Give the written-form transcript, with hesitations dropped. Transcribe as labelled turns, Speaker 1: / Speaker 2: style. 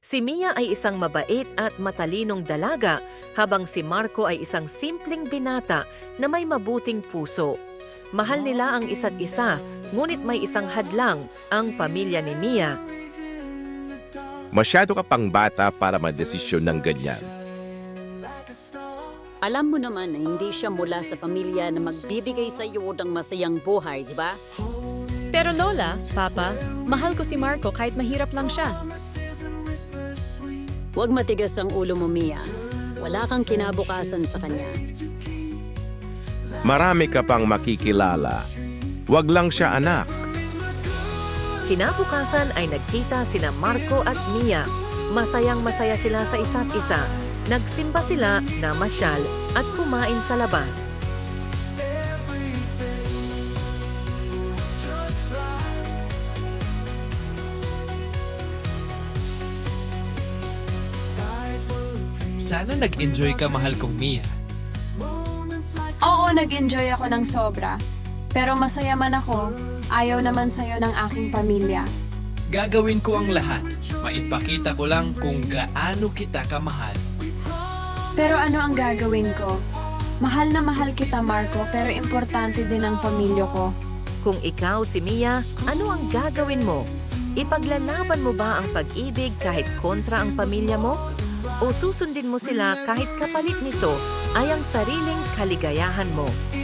Speaker 1: Si Mia ay isang mabait at matalinong dalaga, habang si Marco ay isang simpleng binata na may mabuting puso. Mahal nila ang isa't isa, ngunit may isang hadlang, ang pamilya ni Mia.
Speaker 2: Masyado ka pang bata para madesisyon ng ganyan.
Speaker 3: Alam mo naman na hindi siya mula sa pamilya na magbibigay sa iyo ng masayang buhay, di ba?
Speaker 4: Pero Lola, Papa, mahal ko si Marco kahit mahirap lang siya.
Speaker 3: Huwag matigas ang ulo mo, Mia. Wala kang kinabukasan sa kanya.
Speaker 2: Marami ka pang makikilala. Wag lang siya anak.
Speaker 1: Kinabukasan ay nagkita sina Marco at Mia. Masayang-masaya sila sa isa't isa. Nagsimba sila, namasyal at kumain sa labas.
Speaker 5: Sana nag-enjoy ka, mahal kong Mia.
Speaker 6: Oo, nag-enjoy ako ng sobra. Pero masaya man ako, ayaw naman sa'yo ng aking pamilya.
Speaker 5: Gagawin ko ang lahat. Maipakita ko lang kung gaano kita kamahal.
Speaker 6: Pero ano ang gagawin ko? Mahal na mahal kita, Marco, pero importante din ang pamilya ko.
Speaker 1: Kung ikaw si Mia, ano ang gagawin mo? Ipaglalaban mo ba ang pag-ibig kahit kontra ang pamilya mo? O susundin mo sila kahit kapalit nito ay ang sariling kaligayahan mo?